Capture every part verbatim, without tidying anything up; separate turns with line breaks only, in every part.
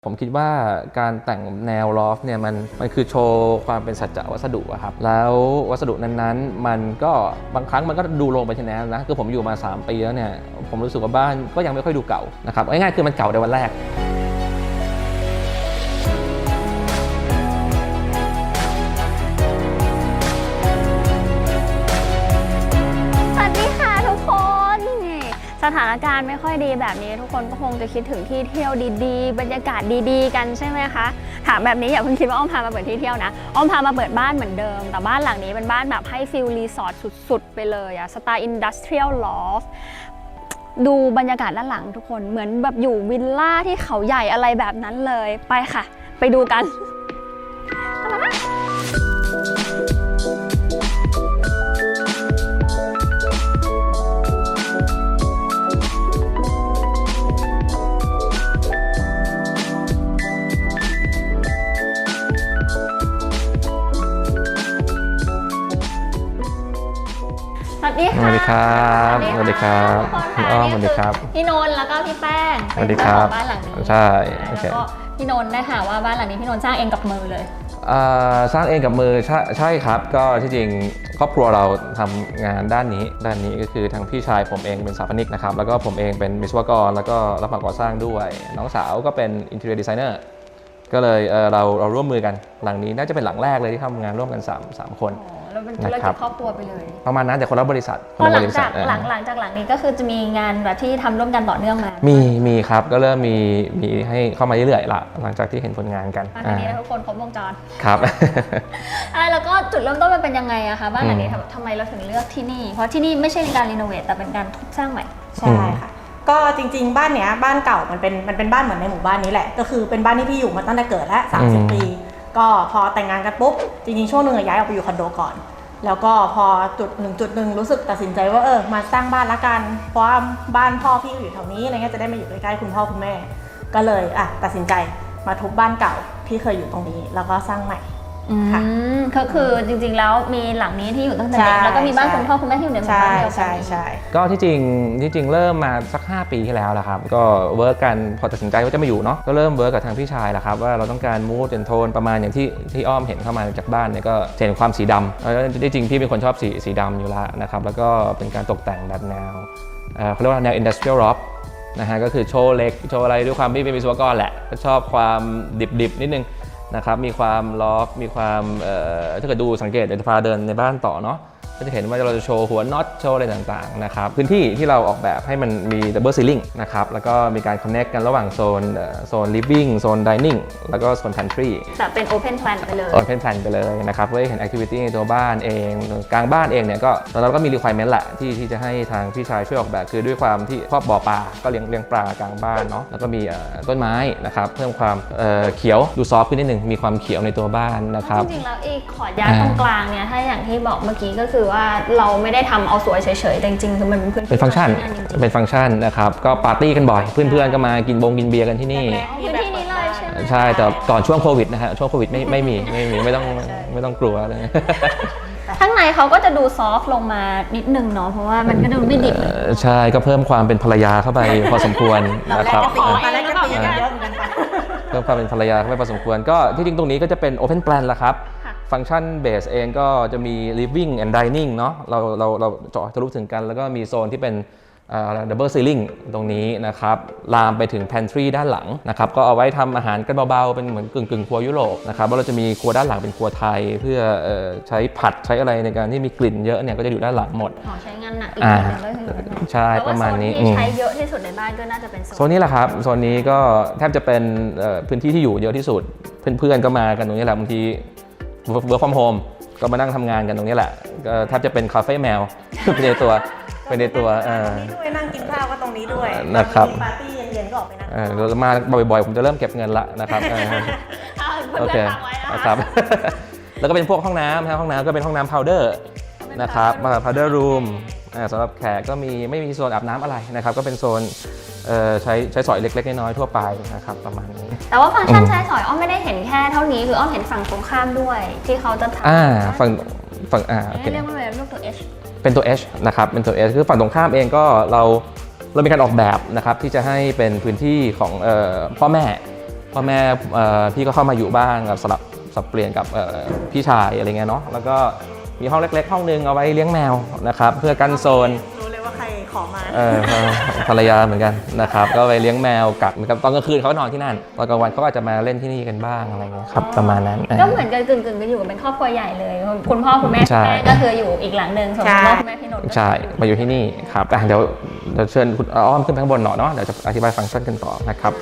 ผมคิดว่าการแต่งแนวลอฟเนี่ยมันมันคือโชว์ความเป็นสัจจะวัสดุอะครับแล้ววัสดุนั้นๆมันก็บางครั้งมันก็ดูลงไปทีนั้นนะคือผมอยู่มาสามปีแล้วเนี่ยผมรู้สึกว่าบ้านก็ยังไม่ค่อยดูเก่านะครับง่ายๆคือมันเก่าในวันแรก
สถานการณ์ไม่ค่อยดีแบบนี้ทุกคนก็คงจะคิดถึงที่เที่ยวดีๆบรรยากาศดีๆกันใช่ไหมคะถามแบบนี้อย่าเพิ่งคิดว่าอ้อมพามาเปิดที่เที่ยวนะอ้อมพามาเปิดบ้านเหมือนเดิมแต่บ้านหลังนี้เป็นบ้านแบบให้ฟิลรีสอร์ทสุดๆไปเลยอะสไตล์อินดัสเทรียลลอฟดูบรรยากาศด้านหลังทุกคนเหมือนแบบอยู่วิลล่าที่เขาใหญ่อะไรแบบนั้นเลยไปค่ะไปดูกันสวัสดีค่ะ
สวัสดีครับสวัสดีครับพี่อ้อมสวัสดีครับ
พี่นนท์แล้วก็พี่แป้ง
สวัสดีครับ
บ้านหลังนี้
ใช่
แล้วก็พี่นนท์ได้ค่ะว่าบ้านหลังนี้พี่นนท์สร้างเองกับมือเลย
สร้างเองกับมือใช่ใช่ครับก็ที่จริงครอบครัวเราทำงานด้านนี้ด้านนี้ก็คือทางพี่ชายผมเองเป็นสถาปนิกนะครับแล้วก็ผมเองเป็นวิศวกรแล้วก็รับเหมาก่อสร้างด้วยน้องสาวก็เป็นอินทีเรียดีไซเนอร์ก็เลยเเราเราร่วมมือกันหลังนี้น่าจะเป็นหลังแรกเลยที่ทำงานร่วมกัน3 3คน
แล้วเป็นธุรกิจครอบครัวไปเลย
ประมาณนั้นแต่คนละบริษัท
พอหลังจากหลังหลังจากหลังนี้ก็คือจะมีงานแบบที่ทำร่วมกันต่อเนื่องมา
มีมีครับก็เริ่มมีมีให้เข้ามาเรื่อยๆละหลังจากที่เห็นผลงานกัน
อันนี้นะทุกคนครบวงจร
ครับ
แล้วก็จุดเริ่มต้นมันเป็นยังไงอะคะบ้านหลังนี้ทำไมเราถึงเลือกที่นี่เพราะที่นี่ไม่ใช่การรีโนเวทแต่เป็นการทุบสร้างใหม่
ใช่ค่ะก็จริงๆบ้านเนี้ยบ้านเก่ามันเป็นมันเป็นบ้านเหมือนในหมู่บ้านนี้แหละก็คือเป็นบ้านที่พี่อยู่มาตั้งแต่เกิดแล้วสามสิบปีก็พอแต่งงานกันปุ๊บจริงๆช่วงหนึ่งย้ายออกไปอยู่คอนโดก่อนแล้วก็พอจุดหนึ่งจุดหนึ่งรู้สึกตัดสินใจว่าเออมาสร้างบ้านละกันเพราะว่าบ้านพ่อพี่อยู่แถวนี้อะไรเงี้ยจะได้มาอยู่ใกล้ๆคุณพ่อคุณแม่ก็เลยอ่ะตัดสินใจมาทุบบ้านเก่าที่เคยอยู่ตรงนี้แล้วก็สร้างใหม่
ค่ะก็คือจริงๆแล้วมีหลังนี้ที่อยู่ตั้งแต่เด็กแล้วก็มีบ้านคุณพ่อคุณแม่ที่อยู่ในหมู่บ้านเดียวกัน
ใช่ใช่
ก็ที่จริงที่จริงเริ่มมาสักห้าปีที่แล้วแหละครับก็เวิร์กกันพอตัดสินใจว่าจะมาอยู่เนาะก็เริ่มเวิร์กกับทางพี่ชายแหละครับว่าเราต้องการมูดเป็นโทนประมาณอย่างที่ที่อ้อมเห็นเข้ามาจากบ้านเนี่ยก็เห็นความสีดำแล้วที่จริงพี่เป็นคนชอบสีสีดำอยู่แล้วนะครับแล้วก็เป็นการตกแต่งแบบแนวเขาเรียกว่าแนว industrial loft นะฮะก็คือโชว์เล็กโชว์อะไรด้วยความที่เป็นวิศวกรแหละก็ชอบความดิบๆนิดนึงนะครับมีความล็อกมีความถ้าเกิดดูสังเกตเดี๋ยวจะพาเดินในบ้านต่อเนาะก็จะเห็นว่าเราจะโชว์หัวน็อตโชว์อะไรต่างๆนะครับพื้นที่ที่เราออกแบบให้มันมีดับเบิลซีลิ่งนะครับแล้วก็มีการคอนเนคกันระหว่างโซนโซนลิฟวิ่งโซนดิเนิ่งแล้วก็โซนพันทรี
แต่เป็นโอเพนแพลนไปเลย
โอเพนแพลนไปเลยนะครับเพื่อให้เห็นแอคทิวิตี้ในตัวบ้านเองกลางบ้านเองเนี่ยก็ตอนนั้นก็มี requirement แหละที่ที่จะให้ทางพี่ชายช่วยออกแบบคือด้วยความที่ครอบบ่อปลาก็เลี้ยงเลี้ยงปลากลางบ้านเนาะแล้วก็มีต้นไม้นะครับเพิ่มความเขียวดูซอฟต์ขึ้นนิดนึงมีความเขียวในตัวบ้านนะครับ
จริงๆแล้วไอ้ขอดยาตรงกลางเนี่ยถ้าอย่างที่บอกเมื่อกี้ก็คือว่าเราไม่ได้ทำเอาสวยเฉยๆแต่จริงๆคือมันเป็นพื้นที่
เป็นฟังก์ชันเป็นฟังก์ชันนะครับก็ปาร์ตี้กันบ่อยเพื่อนๆก็มากินบงกินเบียร์กันที่นี่
พื้นที่นี้เลยใช่ไหม
ใช่แต่ก่อนช่วงโควิดนะฮะช่วงโควิดไม่ไม่มีไม่มีไม่ต้องไม่ต้องกลัวเลย
ข้างในเขาก็จะดูซอฟต์ลงมานิดนึงเนาะเพราะว่ามันก็ดูไม่ดิบ
ใช่ก็เพิ่มความเป็นภรรยาเข้าไปพอสมควรนะครับ
เ
พิ่มความเป็นภรรยาเข้าไปพอสมควรก็ที่จริงตรงนี้ก็จะเป็น Open Plan ละครับฟังก์ชันเบสเองก็จะมี living and dining เนาะเราเราเราเจาะทะลุถึงกันแล้วก็มีโซนที่เป็นดับเบิลซีลิ่งตรงนี้นะครับลามไปถึง pantry ด้านหลังนะครับก็เอาไว้ทำอาหารกันเบาๆเป็นเหมือนกึ่งกึ่งครัวยุโรปนะครับว่าเราจะมีครัวด้านหลังเป็นครัวไทยเพื่อใช้ผัดใช้อะไรในการที่มีกลิ่นเยอะเนี่ยก็จะอยู่ด้านหลังหมด
ใช้งานหนักอีกนิดนึงก็คือ
ใช่ประมาณนี้
ใช้เยอะที่สุดในบ้านก็น่าจะเป็น
โซนนี้แหละครับโซนนี้ก็แทบจะเป็นพื้นที่ที่อยู่เยอะที่สุดเพื่อนๆก็มากันตรงนี้แหละบางทีwork from home ก็มานั่งทำงานกันตรงนี้แหละก็แทบจะเป็นคาเฟ่แมวเป็นในตัวเป็นในตัว
ด้วยนั่งกินข้าวก็ตรงนี้ด้วย
นะครับ
ปาร์ตี้เย็นๆก็ออกไปนั่ง
เรามาบ่อยๆผมจะเริ่มเก็บเงินละนะครับโอเคครับแล้วก็เป็นพวกห้องน้ำห้องน้ำก็เป็นห้องน้ำ powder นะครับมา powder room สำหรับแขกก็มีไม่มีโซนอาบน้ำอะไรนะครับก็เป็นโซนใช้ใช้สอยเล็กๆน้อยๆทั่วไปนะครับประมาณนี้
แต่ว่าฟังก์ชันใช้สอยอ้อมไม่ได้เห็นแค่เท่านี้คืออ้อมเห็นฝั่งตรงข้ามด้วยที่เขาจะทำ
อ่าฝั่งฝั่งอ่า
เรียกว่าอะไรรูปตัว H
เป็นตัว H นะครับเป็นตัว H คือฝั่งตรงข้ามเองก็เราเรามีการออกแบบนะครับที่จะให้เป็นพื้นที่ของพ่อแม่พ่อแม่เอ่อพี่ก็เข้ามาอยู่บ้างกับสลับสับเปลี่ยนกับเอ่อพี่ชายอะไรเงี้ยเนาะแล้วก็มีห้องเล็กๆห้องนึงเอาไว้เลี้ยงแมวนะครับเพื่อกันโซน
รู้เลยว่าใครขอมา
เออภรรยาเหมือนกันนะครับก็ไปเลี้ยงแมวกัดเหมือนกับตอนกลางคืนเขาก็นอนที่นั่นตอนกลางวันเขาก็อาจจะมาเล่นที่นี่กันบ้างอะไรเงี้ยครับประมาณนั้น
ก็เหมือนกันกึ่งๆกันอยู่กันเป็นครอบครัวใหญ่เลยคุณพ่อคุณแม่
ใช่
แม่ก็คืออยู่อีกหลังหนึ่งส่วนคุณพ่อคุณแม่พี่นนท์ก็
ใช่มาอยู่ที่นี่ครับอ่ะเดี๋ยวเดี๋ยวเชิญคุณอ้อมขึ้นไปข้างบนหน่อยเนาะเดี๋ยวจะอธิบายฟังก์ชันกันต่อนะครับ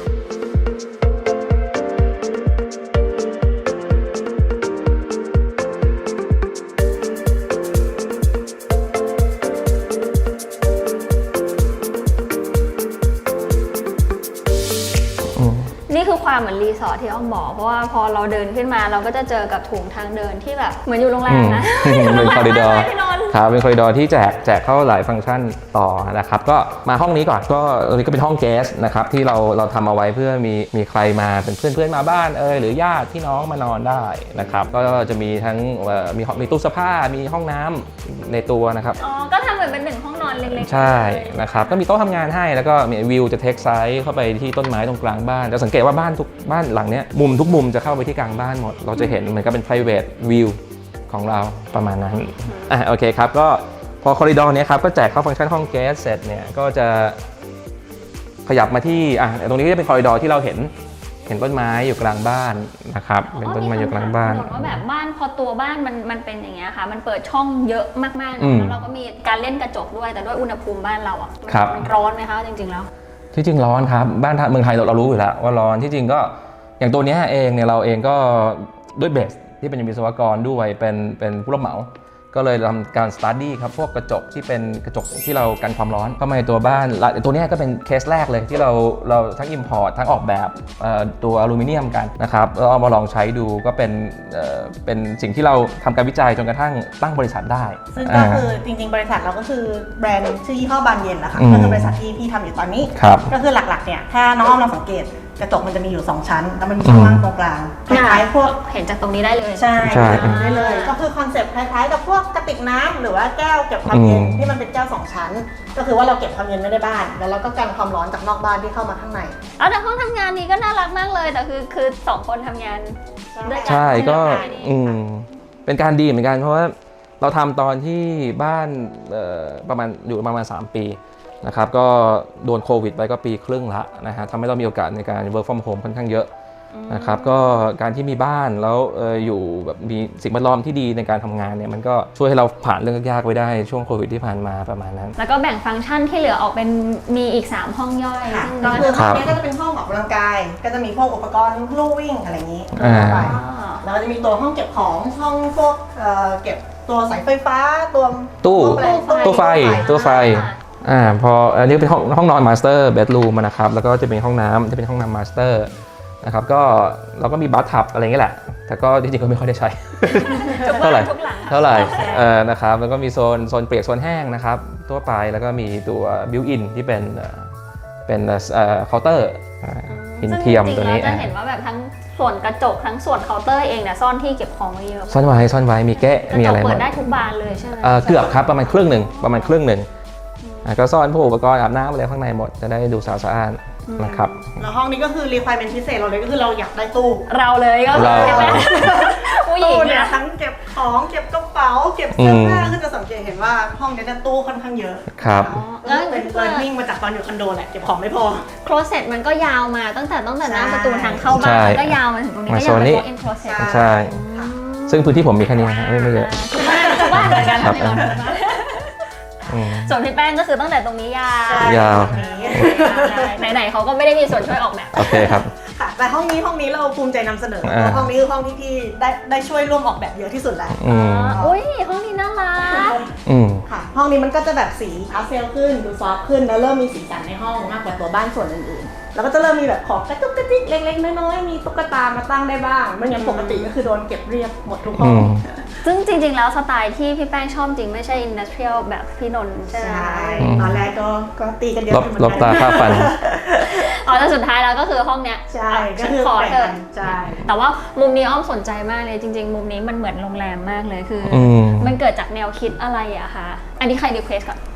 นี่คือความเหมือนรีสอร์ทที่อ้อมบอกเพราะว่าพอเราเดินขึ้นมาเราก็จะเจอกับถุงทางเดินที่แบบเหมือนอยู่โรงแรมนะ
เป็นคอริดอร์
พี่นนท์
ครับเป็นคอริดอร์ที่แจกแจกเข้าหลายฟังก์ชันต่อนะครับก็มาห้องนี้ก่อนก็อันนี้ก็เป็นห้องเกสนะครับที่เราเราทำเอาไว้เพื่อมีมีใครมาเป็นเพื่อนเพื่อนมาบ้านเออหรือญาติพี่น้องมานอนได้นะครับก็จะมีทั้งเอ่อมีมีตู้เสื้อผ้ามีห้องน้ำในตัวนะครับ
อ๋อก็ทำเหมือนเป็นหนึ่งห้องนอนเล็กๆ
ใช่นะครับก็มีโต๊ะทำงานให้แล้วก็มีวิวจะเทคไซส์เข้าไปที่ต้นไม้ตรงกลางบ้านจะสังเกตว่าบ้านทุกบ้านหลังเนี้ยมุมทุกมุมจะเข้าไปที่กลางบ้านหมดเราจะเห็นเหมือนกับเป็น private view ของเราประมาณนั้นอ่ะโอเคครับก็พอคอริดอร์เนี้ยครับก็แจกเข้าฟังก์ชันห้องแก๊สเสร็จเนี่ยก็จะขยับมาที่อ่ะตรงนี้ก็จะเป็นคอริดอร์ที่เราเห็นเห็นต้นไม้อยู่กลางบ้านนะครับเป็นต้นไม้อยู่กลางบ้าน
อ๋อมีคำถามว่าแบบบ้านพอตัวบ้านมันมันเป็นอย่างเงี้ยค่ะมันเปิดช่องเยอะมากๆ
อืม
แล้วเราก็มีการเล่นกระจกด้วยแต่ด้วยอุณหภูมิบ้านเราอ่ะมัน
ครับ
มันร้อนไหมคะจริงๆแล้ว
ที่จริงร้อนครับบ้านเมืองไทยเราเรารู้อยู่แล้วว่าร้อนที่จริงก็อย่างตัวเนี้ยเองเนี่ยเราเองก็ด้วยเบสที่เป็นวิศวกรด้วยเป็นเป็นผู้รับเหมาก็เลยทำการสตาร์ดี้ครับพวกกระจกที่เป็นกระจกที่เรากันความร้อนเข้ามาในตัวบ้านและตัวเนี้ยก็เป็นเคสแรกเลยที่เราเราทั้ง import ทั้งออกแบบเอ่อตัวอลูมิเนียมกันนะครับแล้วเอามาลองใช้ดูก็เป็นเอ่อเป็นสิ่งที่เราทำการวิจัยจนกระทั่งตั้งบริษัทได้
ซึ่งก็คือจริงๆ บริษัทเราก็คือแบรนด์ชื่อยี่ห้อบานเย็นนะคะ
อืม
ก็คือบริษัทที่พี่ทำอยู่ตอนนี้
ครับ
ก็คือหลักๆเนี่ยถ้าน้องอ้อมลองสังเกตกระจกมันจะมีอยู่สองชั้นแล้วมันมีช่องว่างตรงกลางคล้ายๆพวก
เห็นจากตรงนี้ได้เลย
ใช่
ใช่
ได้เลยก็คือคอนเซ็ปต์คล้ายๆกับพวกกระติกน้ำหรือว่าแก้วเก็บความเย็น
อืม
ที่มันเป็นแก้วสองชั้น ก็คือว่าเราเก็บความเย็นไม่ได้บ้านแล้วเราก็กันความร้อนจากนอกบ้านที่เข้ามาข้างใน
เอาแต่ห้องทำงานนี้ก็น่ารักมากเลยแต่คือคือสองคนทำงานด้วยกัน
ใช่ก็
ห้องทำงานนี้
อืมเป็นการดีเหมือนกันเพราะว่าเราทำตอนที่บ้านเอ่อประมาณอยู่ประมาณสามปีนะครับก็โดนโควิดไปก็ปีครึ่งละนะฮะทำให้เรามีโอกาสในการ work from home ค่อนข้างเยอะนะครับก็การที่มีบ้านแล้วเอออยู่แบบมีสิ่งแวดล้อมที่ดีในการทำงานเนี่ยมันก็ช่วยให้เราผ่านเรื่องยากๆไว้ได้ช่วงโควิดที่ผ่านมาประมาณนั้น
แล้วก็แบ่งฟังก์ชันที่เหลือออกเป็นมีอีกสามห้องย่อย
ค่ะ
ซึ่ง
ก็คือห้
ครั
อง
บ
นี้ก็จะเป็นห้องออกกำลังกาย ก็จะมีพวกอุปกรณ์ลู่วิ่งอะไรอย่างนี้
อ่า
เข้าไป
อ๋อ
แล้วก็จะมีตัวห้องเก็บของห้องพวกเอ่อเก็บตัวสายไฟฟ้าตัว
ตู้
แปลง
ตู้ไฟตู้ไฟอ่าพออันนี้เป็นห้องห้องนอนมาสเตอร์เบดรูมนะครับแล้วก็จะเป็นห้องน้ำจะเป็นห้องน้ำมาสเตอร์นะครับก็เราก็มีบัธทับอะไรอย่างเงี้ยแหละแต่ก็จริงๆก็ไม่ค่อยได้ใช้
ทุก
เท่าไหร่
ทุกหลัง
เท่าไหร่เออนะครับแล้วก็มีโซนโซนเปียกโซนแห้งนะครับทั่วไปแล้วก็มีตัวบิวอินที่เป็นเอ่อเป็นเอ่อเคาน์เตอร์หินเทียมตัวนี้
ซึ่งจริงๆเราจะเห็นว่าแบบทั้งส่วนกระจกทั้งส่วนเคาน์เตอร์เองเนี่ยซ่อนที่เก็บของไว้เยอะ
ซ่อนไว้ซ่อนไว้มีแกะ
กระ
มี
จ
อะ
ก
ไรหม
เปิ
ด
ดได้ทุกบานเลยใช่ไหม
เอ่อเกือบครับประมาณครึ่งหนึ่งประมาณครึ่งหนึ่งอ่ะก็ซ่อนพวกอุปกรณ์อาบน้ำอะไรข้างในหมดจะได้ดูสะอาดสะอ้านนะครับ
แล้วห้องนี้ก็คือ requirement พิเศษเราเลยก็คือเราอยากได้ตู้
เราเลยก็
เรา
ใช่ไหมผู้หญิ
ตู้
ง
เนี่
เนี่ย ย
ทั้งเก็บของเก็บกระเป๋าเก็บเสื้อผ้าคือจะสังเกตเห็นว่าห้องนี้เนี่ยตู้ค่อนข้างเยอะ
ครับ
ก็เป็น learning มาจากตอนอยู่คอนโดแหละเก็บของไม่พอ
โคลเซ็ตมันก็ยาวมาตั้งแต่ตั้งแต่หน้าประตูทางเข้าบ้า
ใช่
นมันก็ยาวมาถึงตรงนี้
มา
ก็
โซ
ยัง
น
เป็น
นี้
walk in closet
ใช่ ซึ่งพื้นที่ผมมีแค่นี้ฮะไม่ไม่เยอะ
ทุกบ้านทุกบ้านเหมือนกัน
ครับ
ที่เราทุกบ้าน
อืม
ส่วนพี่แป้งก็คือตั้งแต่ตรงนี้ยาว
ยาว
ไหนๆเขาก็ไม่ได้มีส่วนช่วยออกแบบ
โอเคครับ
ค่ะแต่ห้องนี้ห้องนี้เราภูมิใจนำเสนอเพ
อ่า
ราะห้องนี้คือห้องที่พี่ได้ได้ช่วยร่วมออกแบบเยอะที่สุดแล้ว
อืม
อุ้ยห้องนี้น่ารัก
อืม
ค่ะห้องนี้มันก็จะแบบสีพาสเทลขึ้นดูซอฟต์ขึ้นแล้วเริ่มมีสีสันในห้องมากกว่าตัวบ้านส่วนอื่นๆแล้วก็จะเริ่มมีแบบของกระจุกกระจิกเล็กๆน้อยๆมีตุ๊กตามาตั้งได้บ้างไม่งั้นปกติก็คือโดนเก็บเรียบหมดทุกห้
อื
อง
ม
ซึ่งจริงๆแล้วสไตล์ที่พี่แป้งชอบจริงไม่ใช่อินดัสเทรียลแบบพี่นนท์ใช่ไหม
ใช่
อืม
ตอนแรกก็ก็ตีกันเยอะ
ลบ
อยู่เหมือน
ล
กัน
บตาค่าฟัน
อ๋อแต่สุดท้ายแล้วก็คือห้องเนี้ย
ใช่ก็
ฉัน
คือ
ขอเถ
แบ่ง
อะ
กันใช่
แต่ว่ามุมนี้อ้อมสนใจมากเลยจริง ๆ มุมนี้มันเหมือนโรงแรมมากเลยคืออ
อืม
มันเกิดจากแนวคิดอะไรอะคะอันนี้ใครรีเควสก่อน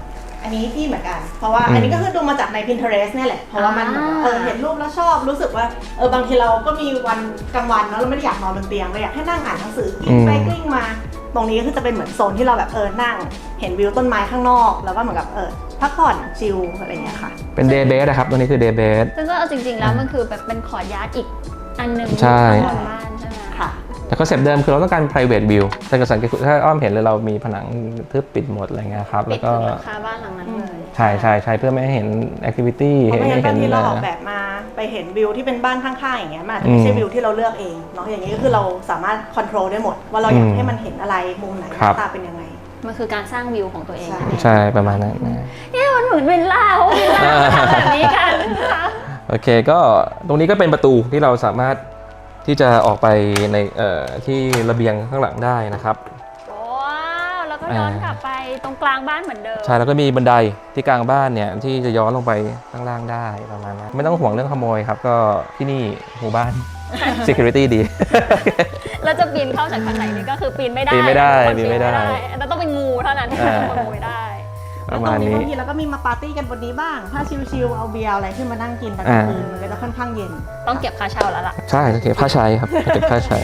อันนี้พี่เหมือนกันเพราะว่าอันนี้ก็คือดูมาจากใน Pinterest เนี่ยแหละเพราะว่ามันเออเห็นรูปแล้วชอบรู้สึกว่าเออบางทีเราก็มีวันกลางวันเนาะเราไม่ได้อยากนอนบนเตียงเราอยากให้นั่งอ่านหนังสือกลิ้งไปกลิ้งมาตรงนี้ก็คือจะเป็นเหมือนโซนที่เราแบบเออนั่งเห็นวิวต้นไม้ข้างนอกแล้วก็เหมือนกับเออพักผ่อนชิลอะไรอย่างเงี้ยค่ะ
เป็นเดย์เบสนะครับตัวนี้คือเดย์เบส
ซึ่งก็เอาจริงๆแล้วมันคือแบบเป็นขอร์ทยาร์ดอีกอันหนึ่ง
ใช่
ข้างบนบ้านใช่ไหม
ค่ะ
แต่คอนเซ็ปต์เดิมคือเราต้องการ private view แต่ก็สังเกตถ้าอ้อมเห็นเลยเรามีผนังทึบปิดหมดอะไรเงี้ยครับ
ปิ
แล้
ด
วก็
ถึงหลังคาบ้านหลังนั้นเลย
ใช่ใช่ใช่เพื่อไม่ให้เห็น activity
เพราะไม่งั้นบางทีเราออก
นะ
แบบมาไปเห็นวิวที่เป็นบ้านข้างๆอย่างเงี้ยมันอาจจะไม่ใช่วิวที่เราเลือกเองเนาะอย่างนี้ก็คือเราสามารถควบคุมได้หมดว่าเราอยากให้มันเห็นอะไรมุมไหนหน้าตาเป็นยังไง
มันคือการสร้างวิวของตัวเอง
ใช่ประมาณนั้นนะ
เนี่ยมันเหมือนวิลล่าเพราะวิลล่าทำแบบนี้กันนะคะ
โอเคก็ตรงนี้ก็เป็นประตูที่เราสามารถที่จะออกไปในเอ่อที่ระเบียงข้างหลังได้นะครับ
ว้าวแล้วก็ย้อนกลับไปตรงกลางบ้านเหมือนเดิม
ใช่แล้วก็มีบันไดที่กลางบ้านเนี่ยที่จะย้อนลงไปข้างล่างได้ประมาณนั้นไม่ต้องห่วงเรื่องขโมยครับก็ที่นี่หมู่บ้าน security ดี
แล้วจะปีนเข้าจากทางไหนนี่ก็คือปีนไม่ได้
ปีนไม่ได้ปีนไม่ได้
แล้วต้องเป็นงูเท่านั้นที่จะขโมยได้
ประมาณนี้
บางทีเราก็มีมาปาร์ตี้กันบนนี้บ้างถ้าชิลๆเอาเบียร์อะไรขึ้นมานั่งกินตอนกลางคืนมันก็จะค่อนข้างเย็น
ต้องเก็บค่าเช่าแล้วล่ะ
ใช่เก็บค่าใช้ครับเก็บค่าใช้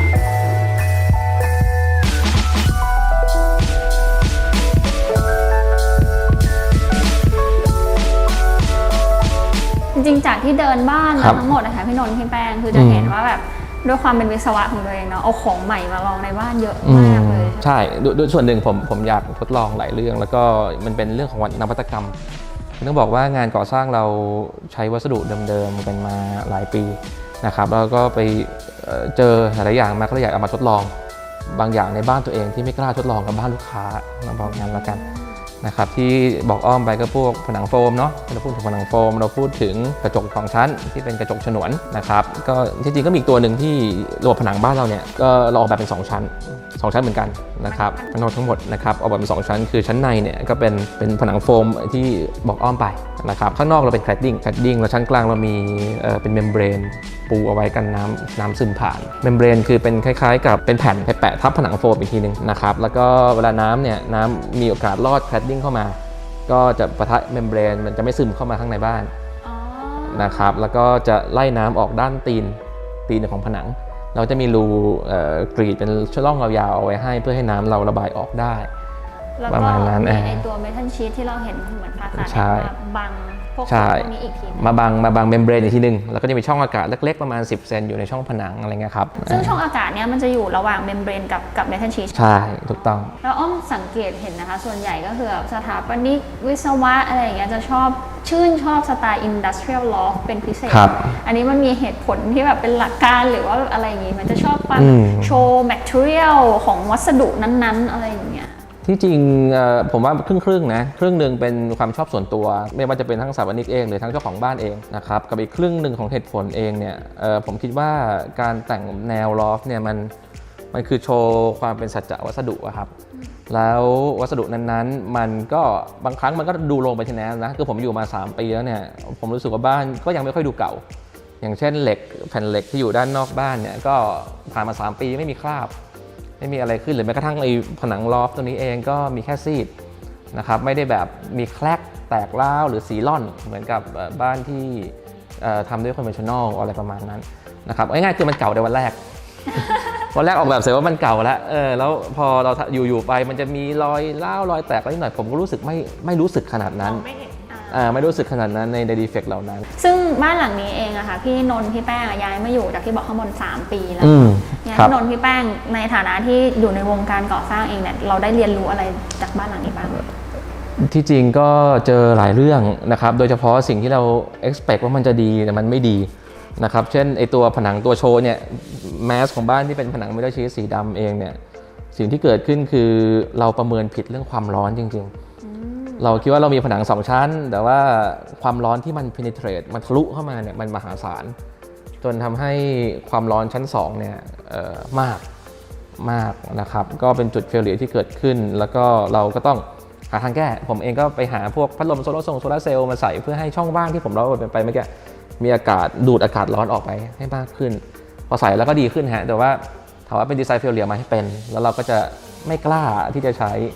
จริงๆจากที่เดินบ้านทั้งหมดนะคะพี่นนท์พี่แป้งคือจะเห็นว่าแบบด้วยความเป็นวิศวะของตัวเองเนาะเอาของใหม่มาลองในบ้านเยอะมากเลย
ใช่ด้วยส่วนหนึ่งผมผมอยากทดลองหลายเรื่องแล้วก็มันเป็นเรื่องของนวัตกรรมต้องบอกว่างานก่อสร้างเราใช้วัสดุเดิมๆกันมาหลายปีนะครับแล้วก็ไปเจอหลายอย่างมาก็เลยอยากเอามาทดลองบางอย่างในบ้านตัวเองที่ไม่กล้าทดลองกับบ้านลูกค้าเราบอกงั้นแล้วกันนะครับที่บอกอ้อมไปก็พวกผนังโฟมเนาะเราพูดถึงผนังโฟมเราพูดถึงกระจกสองชั้นที่เป็นกระจกฉนวนนะครับก็จริงๆก็มีอีกตัวหนึ่งที่ระบบผนังบ้านเราเนี่ยก็เราออกแบบเป็นสองชั้นสองชั้นเหมือนกันนะครับทั้งหมดทั้งหมดนะครับออกแบบเป็นสองชั้นคือชั้นในเนี่ยก็เป็นเป็นผนังโฟมที่บอกอ้อมไปนะครับข้างนอกเราเป็นแคลดดิ้งแคลดดิ้งแล้วชั้นกลางเรามีเอ่อเป็นเมมเบรนปูเอาไว้กันน้ำน้ำซึมผ่านเมมเบรนคือเป็นคล้ายๆกับเป็นแผ่นแปะทับผนังโฟมอีกทีนึงนะครับแล้วก็เวลาน้ำเนี่ยน้ำมีโอกาสลอดแคลดดิ้งเข้ามาก็จะปะทะเมมเบรนมันจะไม่ซึมเข้ามาข้างในบ้านนะครับแล้วก็จะไล่น้ำออกด้านตีนตีนของผนังเราจะมีรูกรีดเป็นช่องยาวๆเอาไว้ให้เพื่อให้น้ำเราระบายออกได้ประมาณนั้น
ไอตัวเมทัลชีทที่เราเห็นเหมือนภาษาบังพวกนี้อีกที
มาบังมาบังเมมเบรนอีกทีนึงแล้วก็จะมีช่องอากาศเล็กๆประมาณสิบเซนอยู่ในช่องผนังอะไรเงี้ยครับ
ซึ่งช่องอากาศเนี้ยมันจะอยู่ระหว่างเมมเบรนกับกับเมทัลชีท
ใช่ถูกต้อง
แล้วอ้อมสังเกตเห็นนะคะส่วนใหญ่ก็คือสถาปนิกวิศวะอะไรอย่างเงี้ยจะชอบชื่นชอบสไตล์ industrial loft เป็นพิเศษอันนี้มันมีเหตุผลที่แบบเป็นหลักการหรือว่าอะไรอย่างงี้มันจะชอบความโชว์ material ของวัสดุนั้นๆอะไรอย่างเงี้ย
ที่จริงผมว่าครึ่งครึ่งนะครึ่งหนึ่งเป็นความชอบส่วนตัวไม่ว่าจะเป็นทั้งสถาปนิกเองหรือทั้งเจ้าของบ้านเองนะครับกับอีกครึ่งหนึ่งของเหตุผลเองเนี่ยผมคิดว่าการแต่งแนวลอฟเนี่ยมันมันคือโชว์ความเป็นสัจจะวัสดุครับแล้ววัสดุนั้นๆมันก็บางครั้งมันก็ดูลงไปทีนั้นนะคือผมอยู่มาสามปีแล้วเนี่ยผมรู้สึกว่าบ้านก็ยังไม่ค่อยดูเก่าอย่างเช่นเหล็กแผ่นเหล็กที่อยู่ด้านนอกบ้านเนี่ยก็ผ่านมาสามปีไม่มีคราบไม่มีอะไรขึ้นหรือแม้กระทั่งไอ้ผนังลอฟตัวนี้เองก็มีแค่ซีดนะครับไม่ได้แบบมีแคลกแตกร้าวหรือสีล่อนเหมือนกับบ้านที่ทำด้วยคอนเวนชั่นแนลอะไรประมาณนั้นนะครับง่ายๆคือมันเก่าในวันแรก วันแรกออกแบบเสร็จว่ามันเก่าแล้วเออแล้วพอเราอยู่ๆไปมันจะมีรอยร้าวรอยแตกอะไรนิดหน่อยผมก็รู้สึกไม่ไม่รู้สึกขนาดนั้นไม่รู้สึกขนาดนั้นในในดีเฟกต์เหล่านั้น
ซึ่งบ้านหลังนี้เองอะค่ะพี่นนท์พี่แป้งย้ายมาอยู่จากที่บอกข้างบนสามปีแล้วเนี่ยพี่นนท์พี่แป้งในฐานะที่อยู่ในวงการก่อสร้างเองเนี่ยเราได้เรียนรู้อะไรจากบ้านหลังนี้บ้าง
ที่จริงก็เจอหลายเรื่องนะครับโดยเฉพาะสิ่งที่เรา expect ว่ามันจะดีแต่มันไม่ดีนะครับเช่นไอตัวผนังตัวโชว์เนี่ยแมสของบ้านที่เป็นผนังเมทัลชีทสีดำเองเนี่ยสิ่งที่เกิดขึ้นคือเราประเมินผิดเรื่องความร้อนจริงๆเราคิดว่าเรามีผนังสองชั้นแต่ว่าความร้อนที่มัน penetrate มันทะลุเข้ามาเนี่ยมันมหาศาลจนทำให้ความร้อนชั้นสองเนี่ยมากมากนะครับก็เป็นจุดเฟลเลียที่เกิดขึ้นแล้วก็เราก็ต้องหาทางแก้ผมเองก็ไปหาพวกพัดลมโซลาร์โซลาร์เซลล์มาใส่เพื่อให้ช่องว่างที่ผมเล่าไปเมื่อกี้มีอากาศดูดอากาศร้อนออกไปให้มากขึ้นพอใส่แล้วก็ดีขึ้นฮะแต่ว่าถามว่าเป็นดีไซน์เฟลเลียมาให้เป็นแล้วเราก็จะไม่กล้าที่จะใช้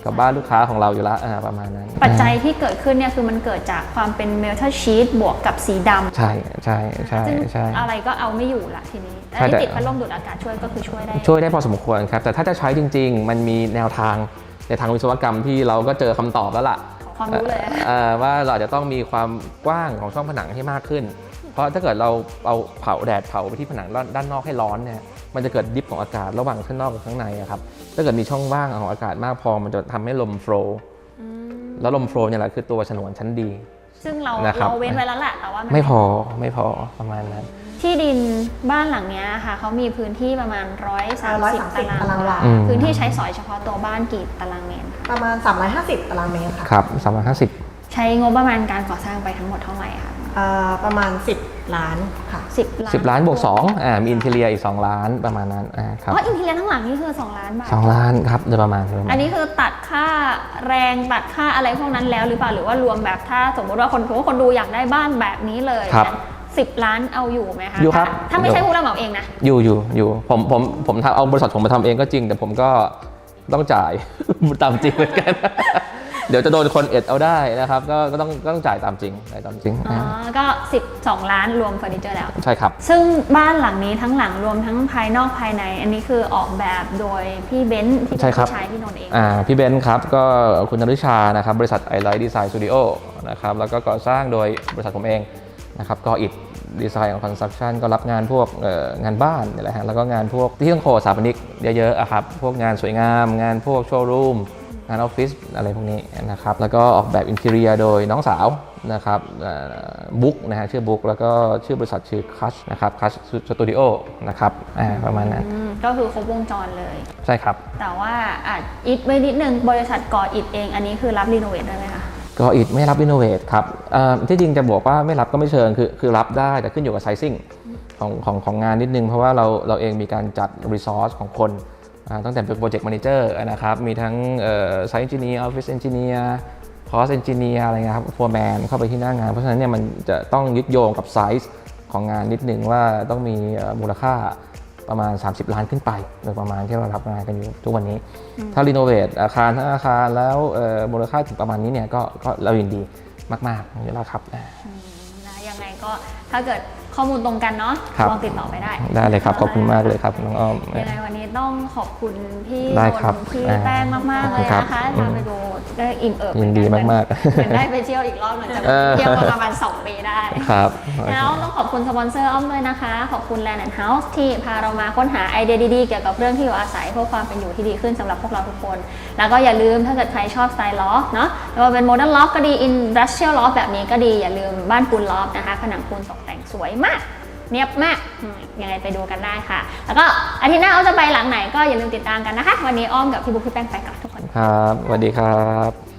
กับบ้านลูกค้าของเราอยู่แล้วอ่าประมาณนั้น
ปัจจัยที่เกิดขึ้นเนี่ยคือมันเกิดจากความเป็นเมทัลชีตบวกกับสีดำ
ใช่ใช่ใช่
ซึ่ง
ใช่
อะไรก็เอาไม่อยู่ละทีนี้
ใช่
อัน
แต่
นี้ติดพัดลมดูดอากาศช่วยก็คือช่วยได้
ช่วยได้พอสมควรครับแต่ถ้าจะใช้จริงๆ มันมีแนวทางในทางวิศวกรรมที่เราก็เจอคำตอบแล้วล่ะ
ขอความรู้เลย
เอ่อว่าเราจะต้องมีความกว้างของช่องผนังให้มากขึ้น เพราะถ้าเกิดเราเอาเผาแดดเผาไปที่ผนังด้านนอกให้ร้อนเนี่ยมันจะเกิดดิฟของอากาศระหว่างข้างนอกกับข้างในอะครับถ้าเกิดมีช่องว่างของอากาศมากพอมันจะทำให้ลมโฟลว์แล้วลมโฟลว์เนี่ยแหละคือตัวฉนวนชั้นดี
ซึ่งเรา
นะครับ
เราเว้นไว้แล้วแหละแต่ว่าน
ไม่พอไม่พอประมาณนั้น
ที่ดินบ้านหลังเนี้ยค่ะเขามีพื้นที่ประมาณร้อยสาม
ร้อย
สิบ
สามสิบ
ตาราง
ตาราง
วาว
า
พื้นที่ใช้สอยเฉพาะตัวบ้านกี่ตารางเมตรคะ
ประมาณสามร้อยห้าสิบตารางเมตรค่ะ
ครับสามร้อยห้าสิบ
ใช้งบประมาณการก่อสร้างไปทั้งหมดเท่าไหร่คะ
เอ่อประมาณสิบล้านค่ะ
สิบล้าน
สิบล้านบวกสองอ่ามีอินเทเรียอีกสองล้านประมาณนั้นอ่าครับ
อ๋ออินทีเรียทั้งหลังนี่คือสองล้านบาท
สองล้านครับโดยประมาณโดยประมาณ
อันนี้คือตัดค่าแรงตัดค่าอะไรพวกนั้นแล้วหรือเปล่าหรือว่ารวมแบบถ้าสมมติว่าคนสมมติว่าคนดูอยากได้บ้านแบบนี้เลย
ครับ
สิบล้านเอาอยู่ไหมคะ
อยู่ครับ
ถ้าไม่ใช่ผู้รับเหมาเองนะ
อยู่อยู่อยู่ผมผมผมทำเอาบริษัทผมมาทำเองก็จริง แต่ผมก็ต้องจ่าย ตามจริงเหมือนกัน เดี๋ยวจะโดนคนเอ็ดเอาได้นะครับก็ก็ต้องก็ต้องจ่ายตามจริงจ่ายตามจริง
อ๋อ ก็สิบสองล้านรวมเฟอร์นิเจอร์แล้ว
ใช่ครับ
ซึ่งบ้านหลังนี้ทั้งหลังรวมทั้งภายนอกภายใน อันนี้คือออกแบบโดยพี่เบนซ์ที่เป็น
ใช่ครับ
พี่ชายพี่นนท์เอง
อ่าพี่เบนซ์ครับก็คุณนฤชานะครับบริษัท ไอ ไลท์ ดีไซน์ สตูดิโอ นะครับแล้วก็ก่อสร้างโดยบริษัทผมเองนะครับก็อิฐดีไซน์ของคอนสตรั c ชั่นก็รับงานพวกเอ่องานบ้านนี่แหละฮะแล้วก็งานพวกที่ต้องโคสถาปนิกเยอะๆอะครับพวกงานสวยงามงานพวกโชว์รูมงานออฟฟิศอะไรพวกนี้นะครับแล้วก็ออกแบบอินทีเรียโดยน้องสาวนะครับบุ๊กนะฮะชื่อบุ๊กแล้วก็ชื่อบริษัทชื่อคัชนะครับคัชสตูดิโอนะครับอ่าประมาณนั้น
อืมก็คือครบวงจรเลย
ใช่ครับ
แต่ว่าอาจอิฐไว้นิดนึงบริษัทก่ออิฐเอง อันนี้คือรับรีโนเวทได้ไหมคะ
ก็อิฐไม่รับรีโนเวทครับเอ่อที่จริงจะบอกว่าไม่รับก็ไม่เชิงคือคือรับได้แต่ขึ้นอยู่กับไซซิ่งของของของงานนิดนึงเพราะว่าเราเราเองมีการจัดรีซอสของคนอ่าตั้งแต่เป็นโปรเจกต์แมเนเจอร์นะครับมีทั้งไซต์เอนจิเนียร์ออฟฟิศเอนจิเนียร์คอสเอนจิเนียร์อะไรเงี้ยครับโฟร์แมนเข้าไปที่หน้างานเพราะฉะนั้นเนี่ยมันจะต้องยึดโยงกับไซส์ของงานนิดนึงว่าต้องมีเอ่อมูลค่าประมาณสามสิบล้านขึ้นไปโดยประมาณที่เรารับงานกันอยู่ทุกวันนี้ ถ้ารีโนเวทอาคารทั้งอาคารแล้วเอ่อมูลค่าถึงประมาณนี้เนี่ยก็ก็เรายินดีมากๆอยู่แล้วครับ
อืมนะยังไงก็ถ้าเกิดข้อมูลตรงกันเนาะ
ครับ
ลองติดต่อไปได้
ได้เลยครับขอบคุณมากเลยครับน้องอ้อม
ยังไงวันนี้ต้องขอบคุณพี่
ได้
น
ครับ
นท์พี่
อ่า
แป้งมากๆเลย
ครับ
นะคะ
อืม
พาไปดูได้อิ่มเอิบ
ยินดี
เหอน
มากๆ
เหมือนได้ไปเที่ยวอีกรอบหนึงแต่
เออ
เที่ยวมาประมาณสองปีได้
ครับ
แล้วต้องขอบคุณสปอนเซอร์อ้อมด้วยนะคะ ขอบคุณ Land and House ที่พาเรามาค้นหาไอเดียดีๆ เกี่ยวกับเรื่องที่อยู่อาศัยเพื่อความเป็นอยู่ที่ดีขึ้นสำหรับพวกเราทุกคน แล้วก็อย่าลืมถ้าเกิดใครชอบสไตล์ล็อกเนาะไม่ว่าเป็นโมเดิร์นล็อกก็ดีอินดัสเทรียลล็อกแบบนี้ก็ดีอย่าลืมบ้านปูนล็อกนะคะผนังปูนตกแต่งสวยมาก เนียบมากอืมยังไงไปดูกันได้ค่ะ แล้วก็อาทิตย์หน้าอ้อมจะไปหลังไหนก็อย่าลืมติดตามกันนะคะ วันนี้อ้อมกับพี่บุ๊คพี่แป้งไปกับทุกคน
ครับสวัสดีครับ